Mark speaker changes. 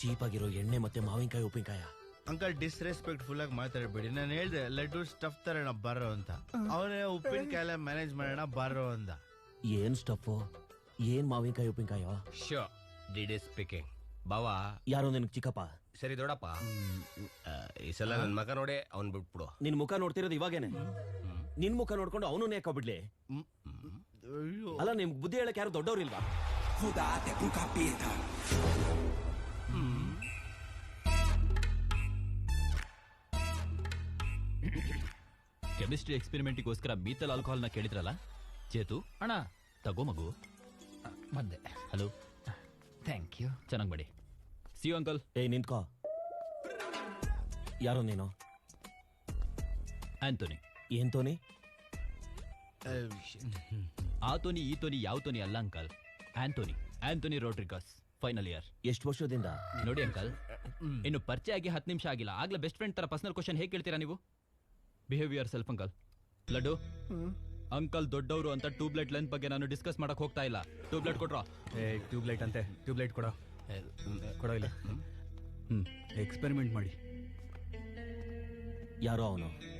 Speaker 1: Cheap ಆಗಿರೋ ಎಣ್ಣೆ ಮತ್ತೆ ಮಾವಿನಕಾಯಿ ಉಪ್ಪಿನಕಾಯ.
Speaker 2: ಅಂಕಲ್ ಡಿಸ್ರೆಸ್ಪೆಕ್ಟ್ಫುಲ್ ಆಗಿ ಮಾತಾಡ್ಬೇಡಿ. ನಾನು ಹೇಳ್ದೆ ಲಡ್ಡು ಸ್ಟಫ್ ತರೋಣ ಬಾರೋ ಅಂತ. ಅವನೇ ಉಪ್ಪಿನಕಾಯಿ ಮ್ಯಾನೇಜ್ ಮಾಡೋಣ ಬಾರೋ ಅಂದ.
Speaker 1: ಏನ್ ಸ್ಟಫ್, ಏನ್ ಮಾವಿನಕಾಯಿ ಉಪ್ಪಿನಕಾಯ?
Speaker 3: Show DD speaking. ಬಾವಾ
Speaker 1: ಯಾರೋ ನಿನಗ್ ಚಿಕ್ಕಪ್ಪ?
Speaker 3: ಸರಿ ದೊಡ್ಡಪ್ಪ, ಈ ಸಲ ನನ್ ಮಗ ನೋಡೆ ಅವ್ನ್ ಬಿಟ್ಬಿಡು.
Speaker 1: ನಿನ್ ಮುಖ ನೋಡ್ತಿರೋದು ಇವಾಗೇನೆ. ನಿನ್ ಮುಖ ನೋಡ್ಕೊಂಡು ಅವನು ನೇಕೋಬಿಡ್ಲಿ. ಅಲ್ಲ, ನಿಮ್ಗೆ ಬುದ್ಧಿ ಹೇಳಕ್ ಯಾರು ದೊಡ್ಡವ್ರಿಲ್ವಾ?
Speaker 4: ಕೆಮಿಸ್ಟ್ರಿ ಎಕ್ಸ್ಪೆರಿಮೆಂಟಿಗೋಸ್ಕರ ಮೀಥಲ್ ಆಲ್ಕೋಹಾಲ್ ನ ಕೇಳಿದ್ರಲ್ಲ ಚೇತು ಅಣ್ಣ, ತಗೋ ಮಗು.
Speaker 5: ಬಂದೆ.
Speaker 4: Hello,
Speaker 5: thank you.
Speaker 4: ಚೆನ್ನಾಗಿ ಮಾಡಿ. See you uncle.
Speaker 1: ಏಯ್ ನಿಂತ್ಕೋ. ಯಾರೋ ನೀನು?
Speaker 4: ಆಂಟೋನಿ.
Speaker 1: ಏನ್ ತೋನಿ?
Speaker 4: ಆ ತೋನಿ ಈ ತೋನಿ ಯಾವ ತೋನಿ ಅಲ್ಲ uncle. Antony Rodrigues, final year.
Speaker 1: ಎಷ್ಟು ವರ್ಷದಿಂದ?
Speaker 4: ನೋಡಿ ಅಂಕಲ್, ಇನ್ನು ಪರಿಚಯ ಆಗಿ 10 ನಿಮಿಷ ಆಗಿಲ್ಲ, ಆಗ್ಲೇ ಬೆಸ್ಟ್ ಫ್ರೆಂಡ್ ತರ ಪರ್ಸನಲ್ ಕ್ವಶನ್ ಹೇಗೆ ಕೇಳ್ತೀರಾ ನೀವು? Behaviour self uncle. Laddu uncle ದೊಡ್ಡವರು ಅಂತ ಟ್ಯೂಬ್ಲೈಟ್ ಲೆಂತ್ ಬಗ್ಗೆ ನಾನು ಡಿಸ್ಕಸ್ ಮಾಡಕ್ ಹೋಗ್ತಾ ಇಲ್ಲ. ಟ್ಯೂಬ್ಲೈಟ್ ಕೊಟ್ರ?
Speaker 6: ಟ್ಯೂಬ್ಲೈಟ್ ಅಂತೆ, ಟ್ಯೂಬ್ಲೈಟ್ ಕೊಡೋ ಇಲ್ಲ. ಎಕ್ಸ್ಪೆರಿಮೆಂಟ್ ಮಾಡಿ.
Speaker 1: ಯಾರೋ ಅವನು